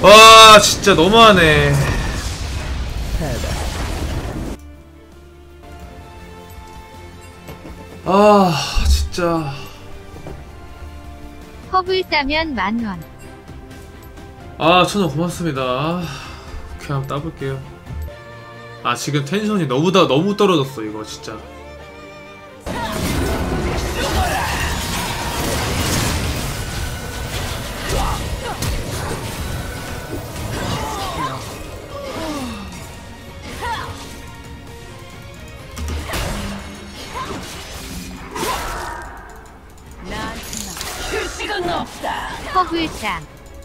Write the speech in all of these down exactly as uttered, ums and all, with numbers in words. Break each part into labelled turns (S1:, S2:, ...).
S1: 와 진짜 너무하네. 아 진짜.
S2: 허블 따면 만원.
S1: 아 천원 고맙습니다. 그냥 따볼게요. 아 지금 텐션이 너무 다 너무 떨어졌어 이거 진짜.
S2: 허블따.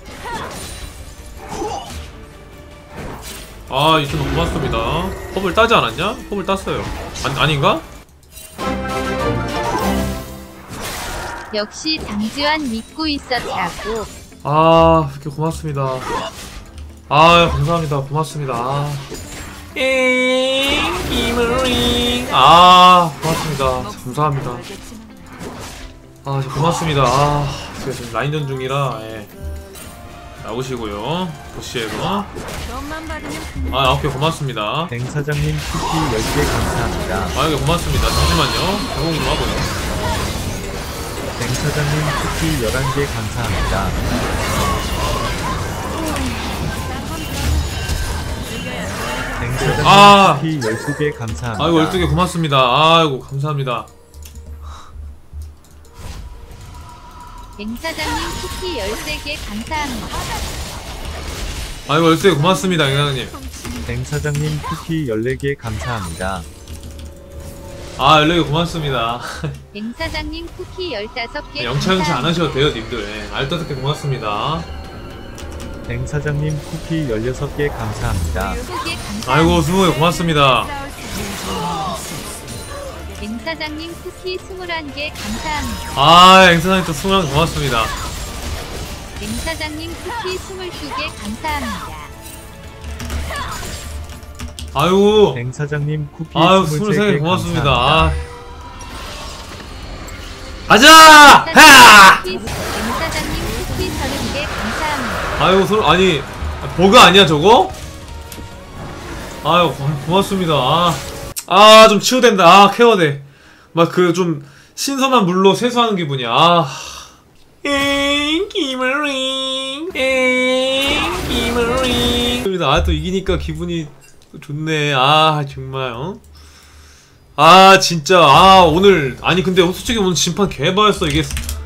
S1: 아 이천원 고맙습니다. 허블 따지 않았냐? 허블 땄어요. 아, 아닌가?
S2: 역시 장지환 믿고 있었다고.
S1: 아 이렇게 고맙습니다. 아 감사합니다. 고맙습니다. 아. 아 고맙습니다. 감사합니다. 아 진짜 고맙습니다. 아 제가 지금 라인전 중이라 예. 나오시고요. 보시에도 아 오케이 고맙습니다.
S3: 뱅 사장님 쿠키 열 개 감사합니다.
S1: 아 이게 고맙습니다. 잠시만요. 배송 좀 하고요.
S3: 뱅 사장님 쿠키 열한 개 감사합니다. 뱅 사장님
S1: 아!
S3: 쿠키 열두 개 감사합니다.
S1: 아이고 열두 개 고맙습니다. 아이고 감사합니다.
S2: 뱅사장님 쿠키 열세 개 감사합니다.
S1: 아이고 열두 개 고맙습니다. 영양님.
S3: 뱅 사장님 쿠키 열네 개 감사합니다.
S1: 아 열네 개 고맙습니다.
S2: 뱅사장님 쿠키 열다섯 개
S1: 영차 영차 안
S2: 감사합니다.
S1: 하셔도 돼요 님들. 예. 알다섯 개 고맙습니다.
S3: 뱅 사장님 쿠키 열여섯 개 감사합니다.
S2: 스무 개 감사합니다.
S1: 아이고 스무 개 고맙습니다.
S2: 뱅사장님 쿠키 스물한 개 감사합니다.
S1: 아 앵사장님 또 스무 개 고맙습니다.
S2: 뱅사장님 쿠키 스물두 개 감사합니다.
S1: 아이고
S3: 뱅 사장님 쿠키
S1: 아유
S3: 스물세
S1: 스물세 개
S3: 개
S1: 고맙습니다.
S3: 감사합니다.
S1: 아. 가자! 하!
S2: 뱅사장님 쿠키 서른 개 감사합니다.
S1: 아이고 소 아니 버그 아니야 저거? 아유 고, 고맙습니다. 아. 아 좀 치유된다. 아 케어돼. 막 그 좀 신선한 물로 세수하는 기분이야. 아. 엥 기머링 엥 기머링. 아 또 이기니까 기분이 좋네. 아 정말 어? 아 진짜 아 오늘 아니 근데 솔직히 오늘 진판 개바였어 이게.